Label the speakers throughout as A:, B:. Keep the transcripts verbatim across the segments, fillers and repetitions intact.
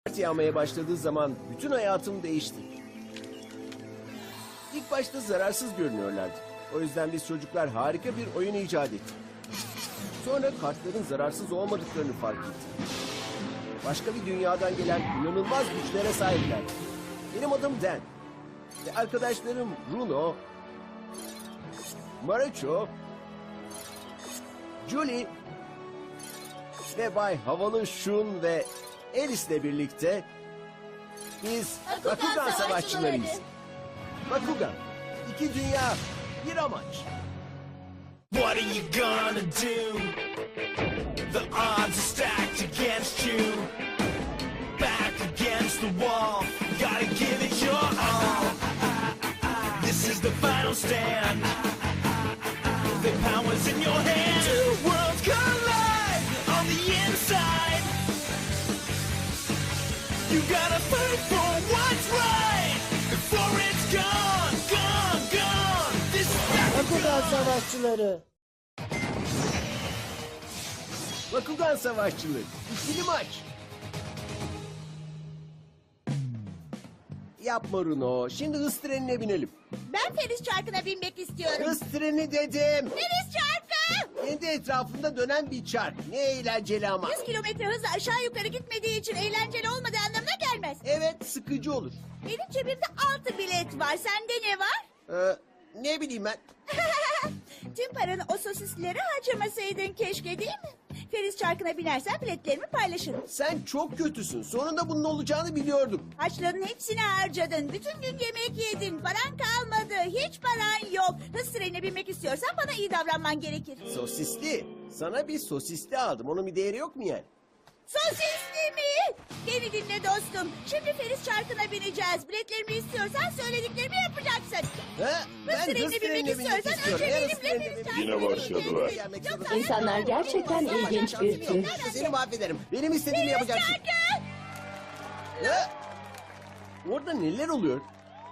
A: yağmaya başladığı zaman bütün hayatım değişti. İlk başta zararsız görünüyorlardı. O yüzden biz çocuklar harika bir oyun icat ettik. Sonra kartların zararsız olmadıklarını fark ettik. Başka bir dünyadan gelen inanılmaz güçlere sahipler. Benim adım Dan. Ve arkadaşlarım Bruno, Marucho, Julie ve Bay Havalı Shun ve Alice'le birlikte biz
B: Bakugan
A: Bakugan savaşçılarıyız.
B: savaşçıları.
A: Bakugan, iki dünya, bir amaç.
C: What are you gonna do? The odds are stacked against you. Back against the wall, gotta give it your all. This is the final stand. The power's in your hands. Two worlds collide on the inside. You gotta fight for what's right before it's gone, gone, gone. This is
B: Bakugan savaşçıları.
A: Bakugan savaşçıları, ikili maç. Yapma Runo, şimdi hız trenine binelim.
B: Ben Feriz Çarkı'na binmek istiyorum.
A: Hız treni dedim.
B: Feriz Çarkı!
A: Kendi etrafında dönen bir çark. Ne eğlenceli ama.
B: yüz kilometre hızla aşağı yukarı gitmediği için eğlenceli olmadığı anlamına gelmez.
A: Evet, sıkıcı olur.
B: Benim cebimde altı bilet var. Sende ne var?
A: Ee, ne bileyim ben.
B: Tüm paranı o sosislere harcamasaydın keşke, değil mi? Feriz Çarkı'na binersen biletlerimi paylaşırım.
A: Sen çok kötüsün. Sonunda bunun olacağını biliyordum.
B: Harçların hepsini harcadın. Bütün gün yemek yedin. Paran kalmadı. Hiç paran yok. Hız trenine binmek istiyorsan bana iyi davranman gerekir.
A: Sosisli. Sana bir sosisli aldım. Onun bir değeri yok mu yani?
B: Sosisli mi? Beni dinle dostum. Şimdi Feriz Çarkı'na bineceğiz. Biletlerimi istiyorsan söylediklerimi yapacaksın.
A: Ha?
B: Hız trenine binmek istiyorsan önce
A: Eğer hız
B: benimle
A: trenine
B: Feriz
A: binmek
B: Çarkı'na
D: Yine başladılar.
A: Gelmek
B: Yoksa
A: zorunda-
E: İnsanlar gerçekten ilginç bir tür.
A: Seni mahvederim. Benim istediğimi yapacaksın.
B: Çarkı!
A: Ha? Orada neler oluyor?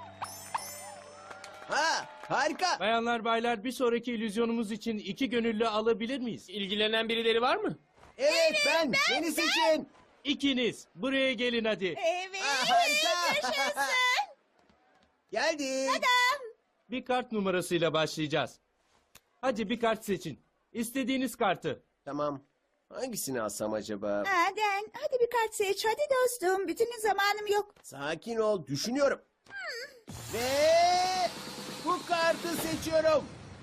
A: Ha, harika.
F: Bayanlar baylar bir sonraki illüzyonumuz için iki gönüllü alabilir miyiz?
G: İlgilenen birileri var mı?
A: Evet, ben. Beni seçin.
F: İkiniz buraya gelin hadi.
B: Evet.
A: Aa, harika.
B: Yaşasın.
A: Geldik.
F: Bir kart numarasıyla başlayacağız. Hadi bir kart seçin. İstediğiniz kartı.
A: Tamam. Hangisini alsam acaba?
B: Aden, hadi bir kart seç. Hadi dostum. Bütün gün zamanım yok.
A: Sakin ol, düşünüyorum. Ve bu kartı seçiyorum.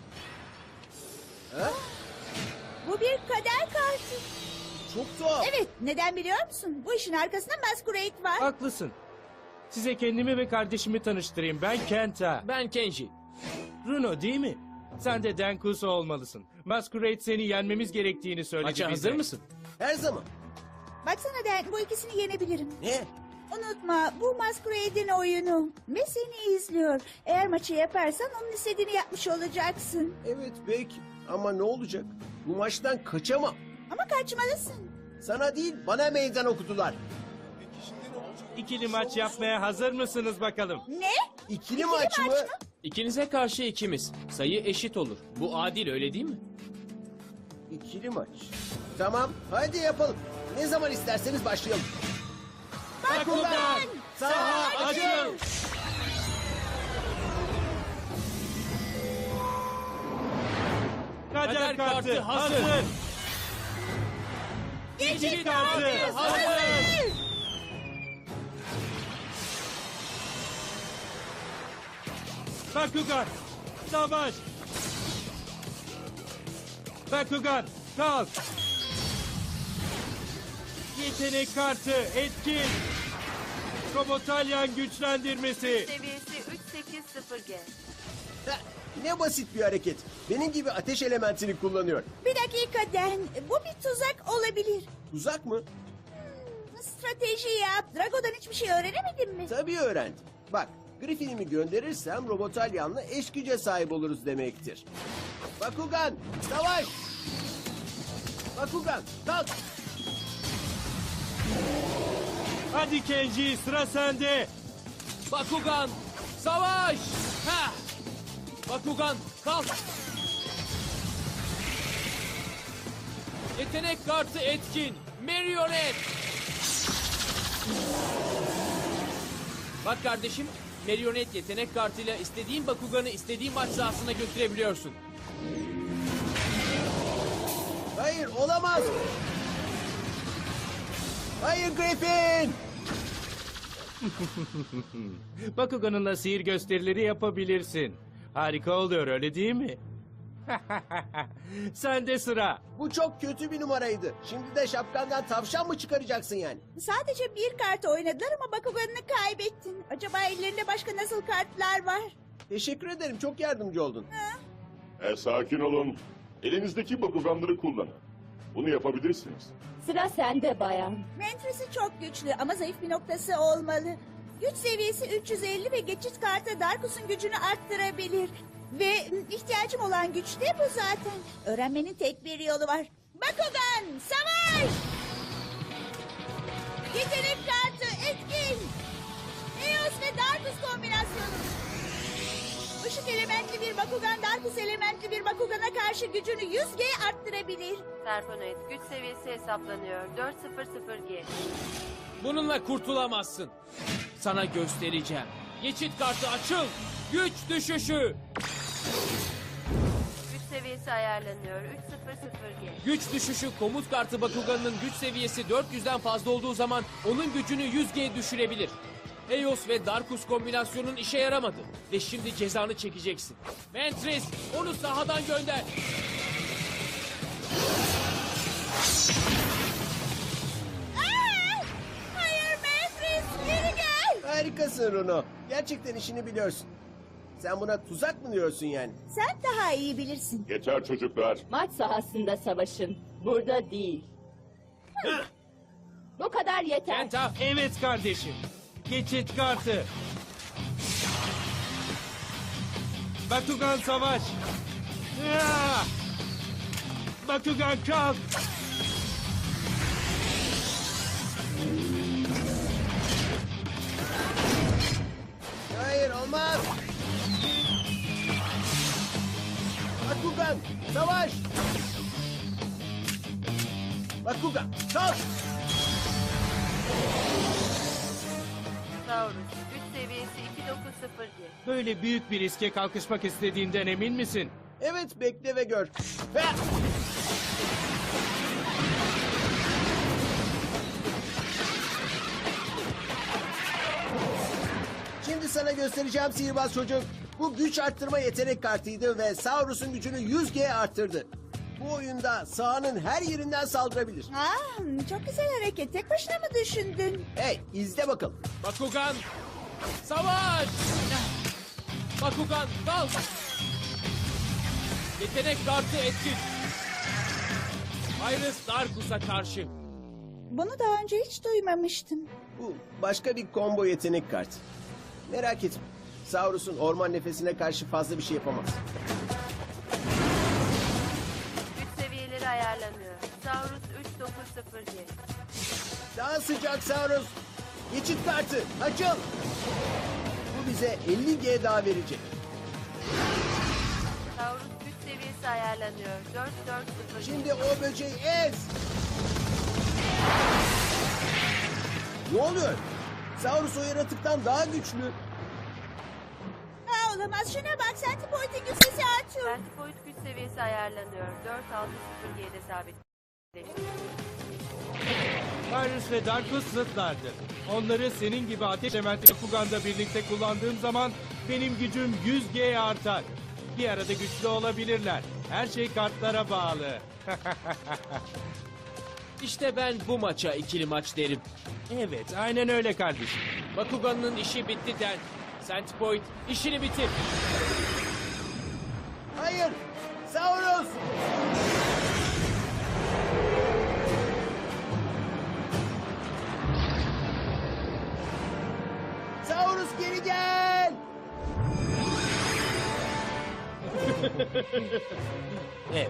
A: Ha?
B: Bu bir kader kartı.
A: Çok tuhaf.
B: Evet, neden biliyor musun? Bu işin arkasında Masquerade var.
F: Haklısın. Size kendimi ve kardeşimi tanıştırayım. Ben Kenta.
G: Ben Kenji.
F: Runo değil mi? Sen de Denkuso olmalısın. Masquerade seni yenmemiz gerektiğini söyledi
G: Maça
F: bize.
G: hazır mısın?
A: Her zaman.
B: Baksana Den, bu ikisini yenebilirim.
A: Ne?
B: Unutma, bu Masquerade'in oyunu. Ve seni izliyor. Eğer maçı yaparsan onun istediğini yapmış olacaksın.
A: Evet belki. Ama ne olacak? Bu maçtan kaçamam.
B: Ama kaçmalısın.
A: Sana değil, bana meydan okudular.
F: İkili maç yapmaya hazır mısınız bakalım?
B: Ne?
A: İkili maç mı?
G: İkinize karşı ikimiz. Sayı eşit olur. Bu adil, öyle değil mi?
A: İkili maç. Tamam, hadi yapalım. Ne zaman isterseniz başlayalım.
F: Bakugan!
A: Saha
F: Açıl! Kader
G: Kader
F: kartı
G: kartı
F: hazır.
G: hazır.
F: İkili kartı hazır. Bakugan, savaş. Bakugan, kalk. Yetenek kartı, etkin. Komotalyan güçlendirmesi.
H: Seviyesi üç sekiz sıfır G.
A: Ha, ne basit bir hareket. Benim gibi ateş elementini kullanıyor.
B: Bir dakika Den, bu bir tuzak olabilir.
A: Tuzak mı?
B: Strateji yap. Drago'dan hiçbir şey öğrenemedin mi?
A: Tabii öğrendim. Bak, Griffin'imi gönderirsem Robotalyan'la eş güce sahip oluruz demektir. Bakugan, savaş! Bakugan, kalk!
F: Hadi Kenji, sıra sende.
G: Bakugan, savaş! Ha! Bakugan, kalk! Yetenek kartı etkin. Marionette. Bak kardeşim, marionet yetenek kartıyla istediğin Bakugan'ı istediğin maç sahasına götürebiliyorsun.
A: Hayır, olamaz. Hayır Griffin.
F: Bakugan'ınla sihir gösterileri yapabilirsin. Harika oluyor öyle değil mi? Sende sıra.
A: Bu çok kötü bir numaraydı. Şimdi de şapkandan tavşan mı çıkaracaksın yani?
B: Sadece bir kart oynadılar ama Bakugan'ını kaybettin. Acaba ellerinde başka nasıl kartlar var?
A: Teşekkür ederim, çok yardımcı oldun.
D: E, sakin olun. Elinizdeki Bakuganları kullanın. Bunu yapabilirsiniz.
E: Sıra sende bayan.
B: Mantris'i çok güçlü ama zayıf bir noktası olmalı. Güç seviyesi üç yüz elli ve geçit kartı Darkus'un gücünü arttırabilir. Ve m, ihtiyacım olan güç de bu zaten. Öğrenmenin tek bir yolu var. Bakugan, savaş! Yetenek kartı etkin. Eos ve Darkus kombinasyonu. Işık elementli bir Bakugan, Darkus elementli bir Bakugan'a karşı gücünü yüz G arttırabilir.
H: Serponet güç seviyesi hesaplanıyor. dört sıfır sıfır G.
G: Bununla kurtulamazsın. Sana göstereceğim. Geçit kartı açıl. Güç düşüşü.
H: Güç seviyesi ayarlanıyor. üç sıfır sıfır G.
G: Güç düşüşü komut kartı Bakugan'ın güç seviyesi dört yüzden fazla olduğu zaman onun gücünü yüz G düşürebilir. Eos ve Darkus kombinasyonun işe yaramadı. Ve şimdi cezanı çekeceksin. Mantris onu sahadan gönder.
B: Aa! Hayır Mantris, geri gel.
A: Harikasın Runo. Gerçekten işini biliyorsun. Sen buna tuzak mı diyorsun yani?
B: Sen daha iyi bilirsin.
D: Yeter çocuklar.
E: Maç sahasında savaşın. Burada değil. Bu kadar yeter.
G: Kenta
F: Evet kardeşim. Geçit kartı. Bakugan savaş. Ya! Bakugan kalk.
A: Hayır, olmaz. Bakugan, savaş. Bakugan, kalk.
H: Taurus güç seviyesi iki dokuz sıfır G.
F: Böyle büyük bir riske kalkışmak istediğinden emin misin?
A: Evet, bekle ve gör. Ve... Şimdi sana göstereceğim sihirbaz çocuk. Bu güç arttırma yetenek kartıydı ve Saurus'un gücünü yüz G arttırdı. Bu oyunda sahanın her yerinden saldırabilir.
B: Aa, çok güzel hareket. Tek başına mı düşündün?
A: Hey, izle bakalım.
G: Bakugan savaş. Bakugan kalk. Yetenek kartı etkin. Iris Darkus'a karşı.
B: Bunu daha önce hiç duymamıştım.
A: Bu başka bir combo yetenek kartı. Merak etme. Saurus'un orman nefesine karşı fazla bir şey yapamaz.
H: Güç seviyeleri ayarlanıyor. Taurus üç dokuz sıfır G.
A: Daha sıcak Saurus. Geçit kartı açıl. Bu bize elli G daha verecek.
H: Taurus güç seviyesi ayarlanıyor. dört dört sıfır G.
A: Şimdi o böceği ez. Ne oluyor? Saurus o yaratıktan daha güçlü.
B: Ha, olamaz. Şuna bak. Centipoint'in güç sesi artıyor.
H: Centipoint güç seviyesi ayarlanıyor. dört altı sıfır G'de sabitleşti.
F: Iris ve Darkus zıtlardır. Onları senin gibi ateş elementi Bakugan'da birlikte kullandığım zaman benim gücüm yüz G artar. Bir arada güçlü olabilirler. Her şey kartlara bağlı.
G: İşte ben bu maça ikili maç derim.
F: Evet, aynen öyle kardeşim.
G: Bakugan'ın işi bitti den. Centipoint işini bitir.
A: Hayır. Saurus. Saurus geri gel.
F: Evet.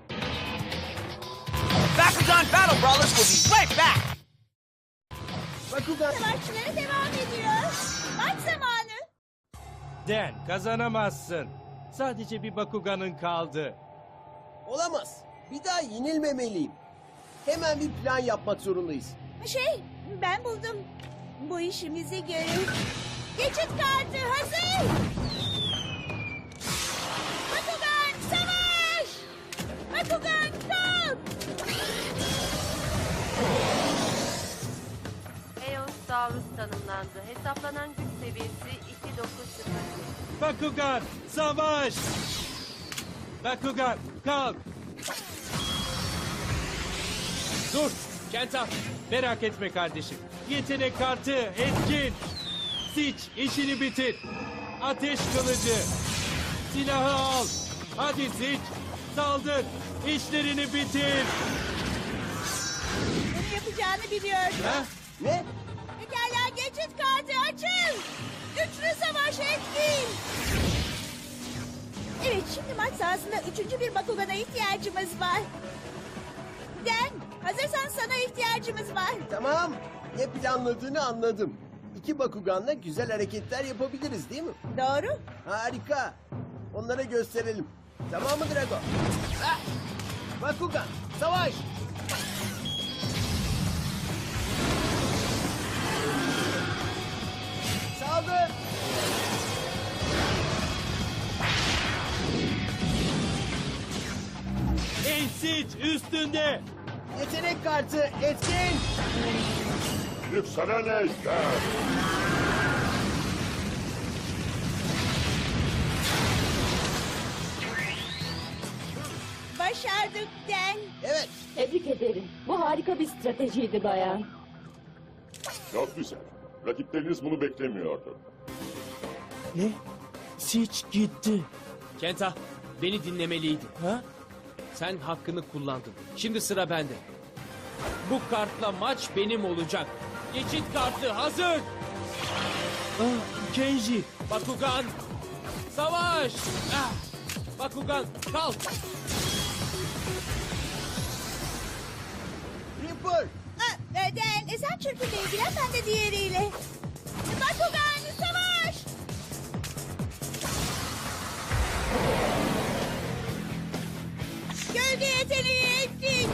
C: Bakugan Battle Brawlers will be right back!
A: Bakugan.
B: Savaşçıları devam ediyor. Maç zamanı.
F: Den, kazanamazsın. Sadece bir Bakugan'ın kaldı.
A: Olamaz. Bir daha yenilmemeliyim. Hemen bir plan yapmak zorundayız.
B: Şey, ben buldum. Bu işimizi görür. Geçit kartı hazır. Bakugan savaş! Bakugan kalk!
H: Eosaurus tanımlandı. Hesaplanan güç seviyesi iki dokuz sıfır.
F: Bakugan, savaş! Bakugan, kalk!
G: Dur, Kenta.
F: Merak etme kardeşim. Yetenek kartı etkin. Siç, işini bitir. Ateş kılıcı. Silahı al. Hadi Siç, saldır. İşlerini bitir.
B: Bunu yapacağını biliyordum.
F: Ha?
A: Ne?
B: Pekala geçit kartı açın. Güçlü savaş etkin. Evet şimdi maç sahasında üçüncü bir Bakugan'a ihtiyacımız var. Den hazırsan sana ihtiyacımız var.
A: Tamam. Ne planladığını anladım. İki Bakugan'la güzel hareketler yapabiliriz değil mi?
B: Doğru.
A: Harika. Onlara gösterelim. Tamam mı Drago? Ah! Bakugan, savaş! Saldır!
F: Ey Siç, üstünde.
A: Yetenek kartı etkin!
D: Yükselen ejder.
B: Başardık Den.
A: Evet,
E: Tebrik ederim. Bu harika bir stratejiydi bayan.
D: Çok güzel. Rakipleriniz bunu beklemiyordu.
F: Ne? Siç gitti.
G: Kenta, beni dinlemeliydin.
F: Ha?
G: Sen hakkını kullandın. Şimdi sıra bende. Bu kartla maç benim olacak. Geçit kartı hazır.
F: Ah, Kenji.
G: Bakugan, savaş! Ah! Bakugan, kalk!
A: Reaper!
B: Ha, e, Den e, sen çırpıyla ilgilen ben de diğeriyle. Bakugan savaş! Gölge yeteneği etkin.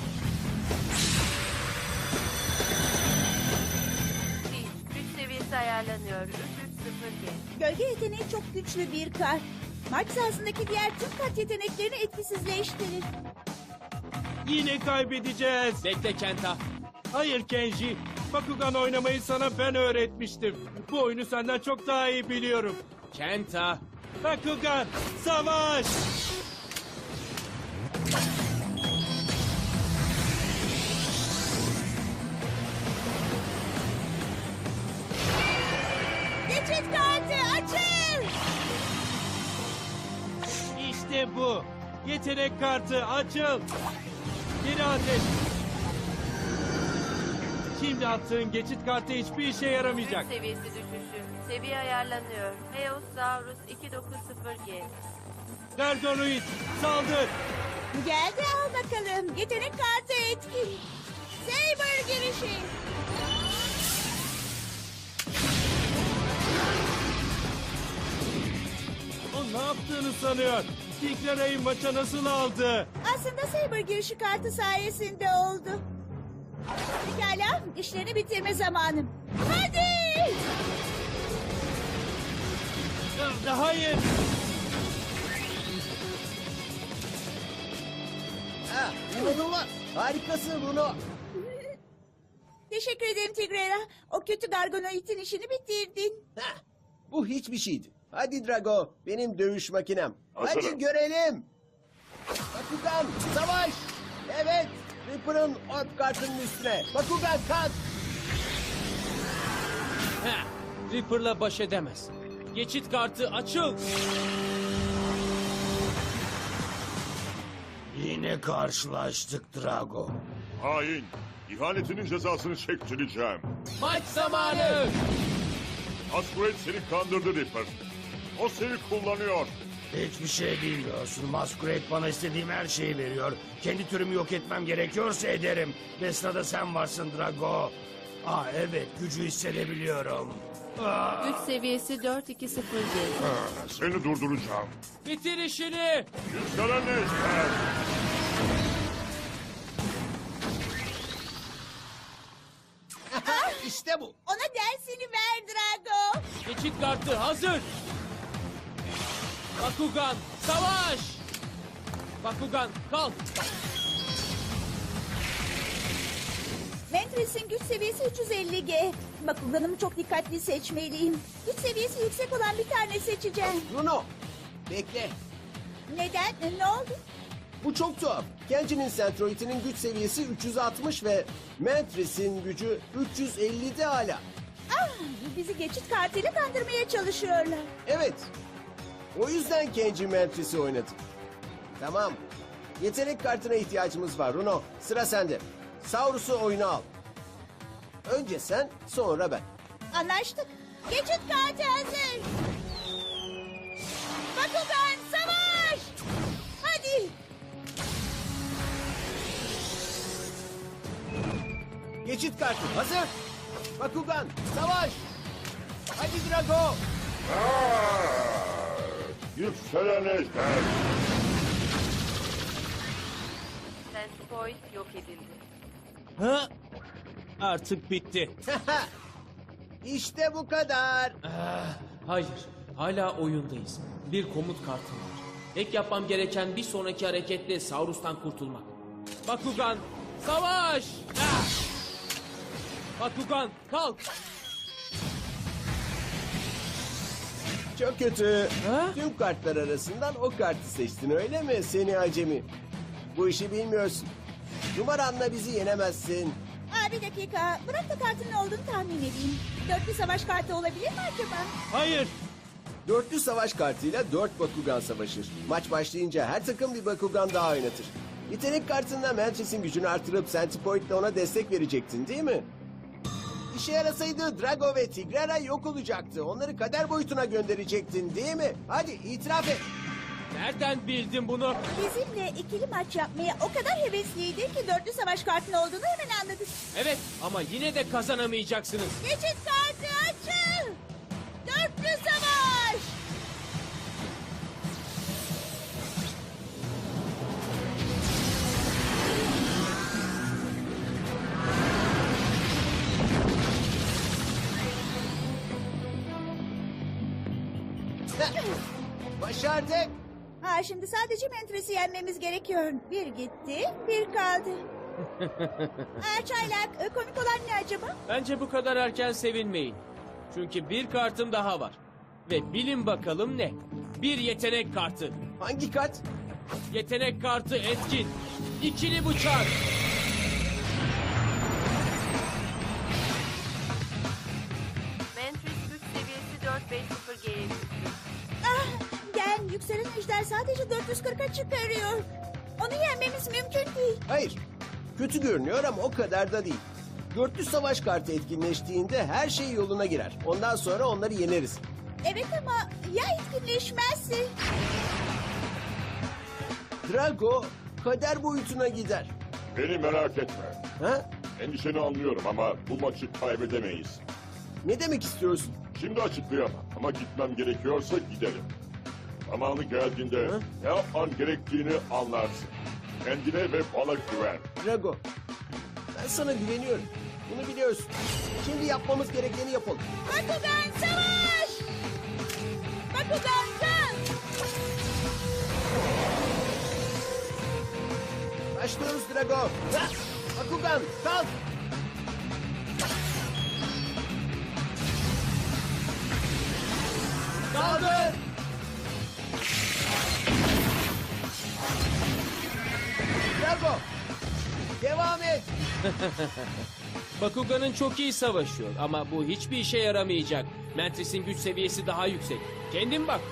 H: Bir, güç seviyesi ayarlanıyor. üç üç sıfır G.
B: Gölge yeteneği çok güçlü bir kart. Maç sahasındaki diğer tüm kart yeteneklerini etkisizleştirir.
F: Yine kaybedeceğiz.
G: Bekle Kenta.
F: Hayır Kenji. Bakugan oynamayı sana ben öğretmiştim. Bu oyunu senden çok daha iyi biliyorum.
G: Kenta,
F: Bakugan, savaş!
B: Geçit kartı açıl.
F: İşte bu. Yetenek kartı açıl. Geri ateş. Şimdi attığın geçit kartı hiçbir işe yaramayacak.
H: Güç seviyesi düşüşü. Seviye ayarlanıyor. Eosaurus iki dokuz sıfır G.
F: Gargonoid, saldır.
B: Geldi al bakalım. Yetenek kartı etkin. Saber girişi.
F: O ne yaptığını sanıyor. Tigrera'yı maça nasıl aldı?
B: Aslında Saber girişi kartı sayesinde oldu. Pekala işlerini bitirme zamanım. Hadi.
F: Hayır.
A: Ha, inanılmaz! Harikasın Bruno!
B: Teşekkür ederim Tigrera. O kötü Gargonoid'in işini bitirdin.
A: Ha, bu hiçbir şeydi. Hadi Drago, benim dövüş makinem.
D: Hazırım.
A: Hadi görelim. Bakugan, savaş! Evet, Reaper'ın orb kartının üstüne. Bakugan kalk!
G: heh, Reaper'la baş edemez. Geçit kartı açıl.
I: Yine karşılaştık Drago.
D: Hain. İhanetinin cezasını çektireceğim.
G: Maç zamanı.
D: Masquerade seni kandırdı Reaper. O seni kullanıyor.
I: Hiçbir şey bilmiyorsun. Masquerade bana istediğim her şeyi veriyor. Kendi türümü yok etmem gerekiyorsa ederim. Ve sırada sen varsın Drago. Aa evet, gücü hissedebiliyorum. Aa,
H: Güç seviyesi dört iki sıfır G.
D: Seni durduracağım.
G: Bitir işini.
D: Yükselen ejder.
A: İşte bu.
B: Ona dersini ver Drago.
G: Geçit kartı hazır. Bakugan savaş. Bakugan kalk.
B: Ventress'in güç seviyesi üç yüz elli G. Bakuganımı çok dikkatli seçmeliyim. Güç seviyesi yüksek olan bir tane seçeceğim.
A: Bruno, bekle.
B: Neden? Ne oldu?
A: Bu çok tuhaf. Kenji'nin Centroid'inin güç seviyesi üç yüz altmış ve Mantris'in gücü üç yüz ellide hala.
B: Ah, bizi geçit kartıyla kandırmaya çalışıyorlar.
A: Evet. O yüzden Kenji Mantris'i oynadı. Tamam. Yetenek kartına ihtiyacımız var Bruno. Sıra sende. Saurus'u oyuna al. Önce sen, sonra ben.
B: Anlaştık. Geçit kartı hazır. Bakugan savaş! Hadi.
A: Geçit kartı hazır. Bakugan, savaş. Hadi Drago.
D: Yükselen ejder.
H: Centipoid yok edildi.
F: Ha? Artık bitti.
A: İşte bu kadar.
G: Hayır, hala oyundayız. Bir komut kartım var. Tek yapmam gereken bir sonraki hareketle Saurus'tan kurtulmak. Bakugan, savaş! Ah! Bakugan, kalk!
A: Çok kötü.
G: Ha?
A: Tüm kartlar arasından o kartı seçtin öyle mi seni acemi? Bu işi bilmiyorsun. Numaranla bizi yenemezsin.
B: Aa, bir dakika. Bırak da kartın ne olduğunu tahmin edeyim. Dörtlü savaş kartı olabilir mi acaba?
F: Hayır.
A: Dörtlü savaş kartıyla dört Bakugan savaşır. Maç başlayınca her takım bir Bakugan daha oynatır. Yetenek kartında Mantris'in gücünü artırıp Centipoid'le ona destek verecektin değil mi? İşe yarasaydı Drago ve Tigrera yok olacaktı. Onları kader boyutuna gönderecektin değil mi? Hadi itiraf et.
G: Nereden bildin bunu?
B: Bizimle ikili maç yapmaya o kadar hevesliydi ki dörtlü savaş kartının olduğunu hemen anladık.
G: Evet, ama yine de kazanamayacaksınız.
B: Geçit kartı açın. Dörtlü savaş.
A: Başardık.
B: Ha, şimdi sadece Mentress'i yenmemiz gerekiyor. Bir gitti, bir kaldı. Aa, Çaylak, e, komik olan ne acaba?
G: Bence bu kadar erken sevinmeyin. Çünkü bir kartım daha var. Ve bilin bakalım ne? Bir yetenek kartı.
A: Hangi kart?
G: Yetenek kartı etkin. İkili bıçak.
H: Mantris güç seviyesi dört beş sıfır G'ye düştü.
B: Ah, gel, yükselen ejder sadece dört yüz kırka çıkarıyor. Onu yenmemiz mümkün değil.
A: Hayır. Kötü görünüyor ama o kadar da değil. Dörtlü savaş kartı etkinleştiğinde her şey yoluna girer. Ondan sonra onları yeneriz.
B: Evet ama ya etkinleşmezse?
A: Drago kader boyutuna gider.
D: Beni merak etme.
A: Ha?
D: Endişeni anlıyorum ama bu maçı kaybedemeyiz.
A: Ne demek istiyorsun?
D: Şimdi açıklayamam ama gitmem gerekiyorsa giderim. Zamanı geldiğinde
A: Hı?
D: ne yapman gerektiğini anlarsın. Kendine ve bana güven.
A: Drago, ben sana güveniyorum. Bunu biliyorsun. Şimdi yapmamız gerekeni yapalım.
B: Bakugan savaş! Bakugan kalk!
A: Başlıyoruz Drago. Ha! Bakugan, kalk! Kaldır! Drago, devam et.
G: Bakugan'ın çok iyi savaşıyor ama bu hiçbir işe yaramayacak. Mantris'in güç seviyesi daha yüksek. Kendin bak.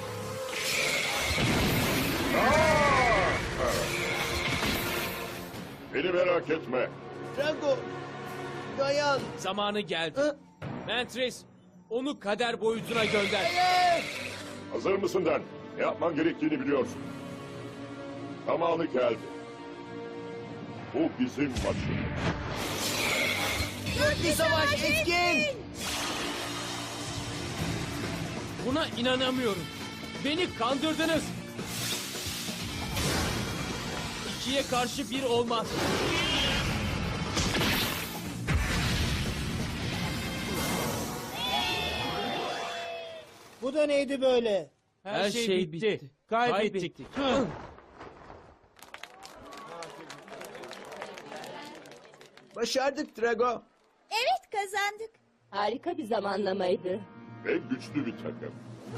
D: Beni merak etme.
A: Drago, dayan.
G: Zamanı geldi.
A: Ha?
G: Mantris, onu kader boyutuna gönder.
A: Hayır!
D: Hazır mısın Den? Ne yapman gerektiğini biliyorsun. Zamanı geldi. Bu bizim maçımız.
A: Dörtlü savaş etkin!
G: Buna inanamıyorum. Beni kandırdınız. İkiye karşı bir olmaz.
J: Bu da neydi böyle?
F: Her, şey, bitti. Kaybettik. Hı.
A: Başardık Drago.
B: Evet, kazandık.
E: Harika bir zamanlamaydı.
D: Ve güçlü bir takım.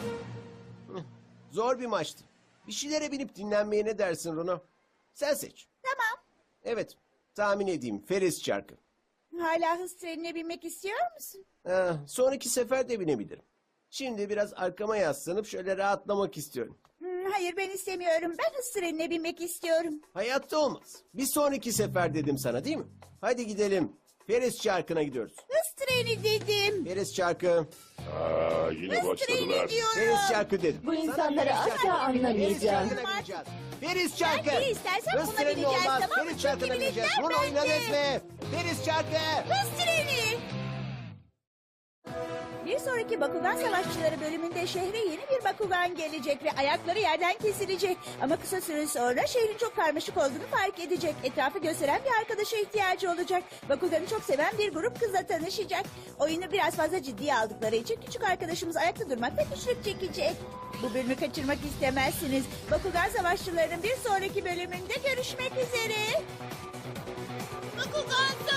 A: Zor bir maçtı. Bir şeylere binip dinlenmeye ne dersin Runo? Sen seç.
B: Tamam.
A: Evet, tahmin edeyim. Feris çarkı.
B: Hala hız trenine binmek istiyor musun?
A: Ha, sonraki sefer de binebilirim. Şimdi biraz arkama yaslanıp şöyle rahatlamak istiyorum.
B: Hmm, hayır, ben istemiyorum. Ben hız trenine binmek istiyorum.
A: Hayatta olmaz. Bir sonraki sefer dedim sana değil mi? Hadi gidelim. Feris çarkına gidiyoruz.
B: Hız treni dedim.
A: Feris çarkı.
D: Aa, yine
B: Hız treni
D: başladılar.
B: diyorum.
A: Feris çarkı dedim.
E: Bu insanları
A: Feris
E: asla
A: çarkı. Feris
E: anlamayacağım.
A: çarkına bineceğiz. Feris çarkı.
B: Ben biri istersem
A: Hız
B: buna
A: treni
B: bineceğiz,
A: olmaz.
B: tamam mı?
A: Feris çarkına
B: Çünkü
A: bineceğiz.
B: biletler
A: Bunu oynadınız
B: bende.
A: mı? Feris çarkı.
B: Hız treni. Bir sonraki Bakugan Savaşçıları bölümünde şehre yeni bir Bakugan gelecek ve ayakları yerden kesilecek. Ama kısa süre sonra şehrin çok karmaşık olduğunu fark edecek. Etrafı gösteren bir arkadaşa ihtiyacı olacak. Bakugan'ı çok seven bir grup kızla tanışacak. Oyunu biraz fazla ciddiye aldıkları için küçük arkadaşımız ayakta durmakta güçlük çekecek. Bu bölümü kaçırmak istemezsiniz. Bakugan Savaşçıları'nın bir sonraki bölümünde görüşmek üzere. Bakugan